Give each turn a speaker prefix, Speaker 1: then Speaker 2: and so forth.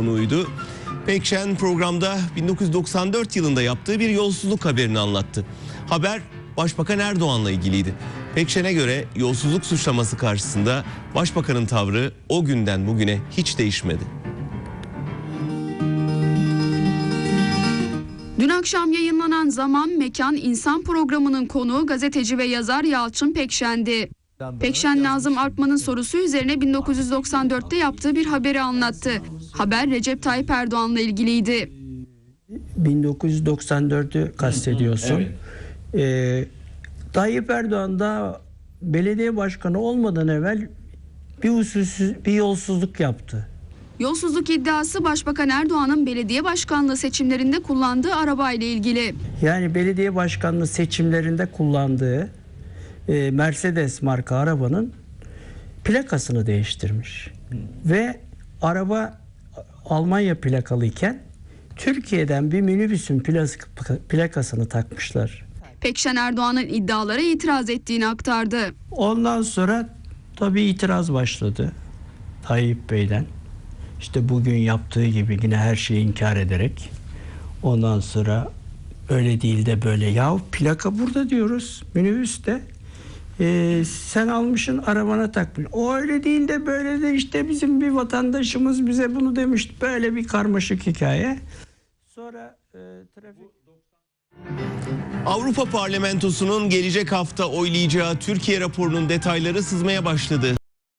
Speaker 1: konuğuydu. Pekşen programda 1994 yılında yaptığı bir yolsuzluk haberini anlattı. Haber Başbakan Erdoğan'la ilgiliydi. Pekşen'e göre yolsuzluk suçlaması karşısında Başbakan'ın tavrı o günden bugüne hiç değişmedi.
Speaker 2: Dün akşam yayınlanan Zaman, Mekan, İnsan programının konuğu gazeteci ve yazar Yalçın Pekşen'di. Pekşen, Nazım Arkman'ın sorusu üzerine 1994'te yaptığı bir haberi anlattı. Haber Recep Tayyip Erdoğan'la ilgiliydi.
Speaker 3: 1994'ü kastediyorsun. Evet. Tayyip Erdoğan da belediye başkanı olmadan evvel bir yolsuzluk yaptı.
Speaker 2: Yolsuzluk iddiası Başbakan Erdoğan'ın belediye başkanlığı seçimlerinde kullandığı arabayla ilgili.
Speaker 3: Yani belediye başkanlığı seçimlerinde kullandığı Mercedes marka arabanın plakasını değiştirmiş. Ve araba Almanya plakalıyken Türkiye'den bir minibüsün plakasını takmışlar.
Speaker 2: Pekşen, Erdoğan'ın iddialara itiraz ettiğini aktardı.
Speaker 3: Ondan sonra tabii itiraz başladı Tayyip Bey'den. İşte bugün yaptığı gibi yine her şeyi inkar ederek. Ondan sonra öyle değil de böyle. Ya plaka burada diyoruz, minibüste. Sen almışsın arabana takmış. O öyle değil de böyle de işte bizim bir vatandaşımız bize bunu demişti. Böyle bir karmaşık hikaye. Sonra trafik...
Speaker 1: Avrupa Parlamentosu'nun gelecek hafta oylayacağı Türkiye raporunun detayları sızmaya başladı.